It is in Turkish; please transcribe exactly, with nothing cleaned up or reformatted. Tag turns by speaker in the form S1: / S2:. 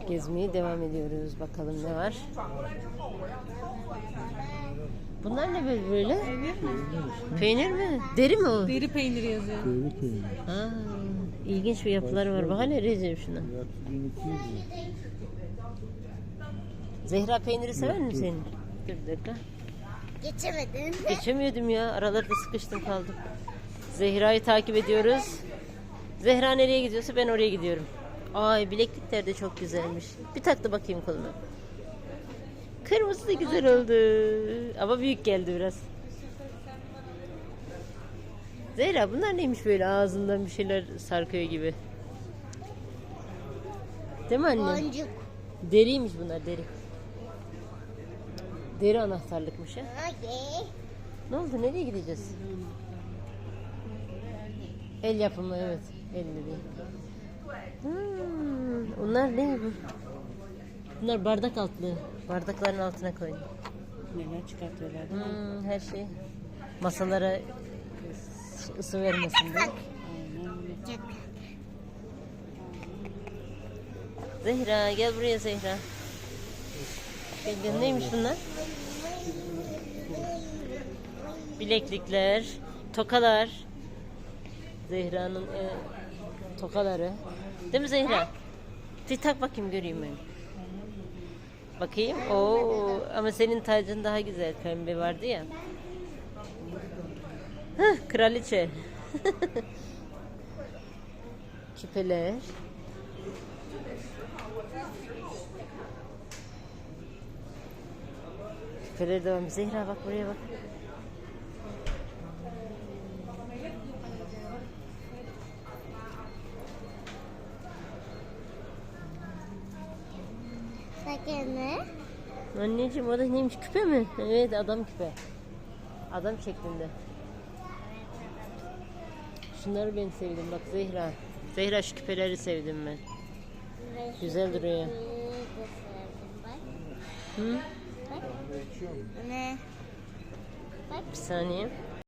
S1: Gezmeye devam ediyoruz. Bakalım ne var. Bunlar ne böyle? böyle? Peynir mi? Deri mi o?
S2: Deri peyniri yazıyor.
S3: Deri peynir.
S1: Aa, ilginç bir yapıları var. Bak hele Recep şuna.
S3: Fiyatı bin iki yüz lira.
S1: Zehra peyniri sever misin senin? Dur bir dakika.
S4: Geçemedim.
S1: Geçemiyordum ya. Aralarda sıkıştım kaldım. Zehra'yı takip ediyoruz. Zehra nereye gidiyorsa ben oraya gidiyorum. Ay bileklikler de çok güzelmiş. Bir taktı bakayım koluna. Kırmızı da güzel oldu. Ama büyük geldi biraz. Zehra bunlar neymiş böyle ağzından bir şeyler sarkıyor gibi. Değil mi anne?
S4: Boncuk.
S1: Deriymiş bunlar deri. Deri anahtarlıkmış ha.
S4: Hadi.
S1: Ne oldu? Nereye gideceğiz? El yapımı evet. Elle değil. Hmm, onlar ne bu? Bunlar bardak altlı. Bardakların altına koyun.
S2: Neler çıkartıyorlar değil mi?
S1: Hmm, her şey. Masalara ısı vermesin diye.
S4: Çok.
S1: Zehra gel buraya Zehra. Gel, gel. Neymiş bunlar? Bileklikler, tokalar. Zehra'nın e, tokaları. Değil mi Zehra? Bir tak bakayım göreyim ben. Bakayım. Oo, ama senin tacın daha güzel. Pembe vardı ya. Hah, kraliçe. Küpeler. Küpeler devam. Zehra bak buraya bak.
S4: Bakın ne?
S1: Anneciğim o da neymiş küpe mi? Evet adam küpe. Adam şeklinde. Şunları ben sevdim bak Zehra. Zehra şu küpeleri sevdim ben. Güzel duruyor. Hı?
S4: Ne?
S1: Bir saniye.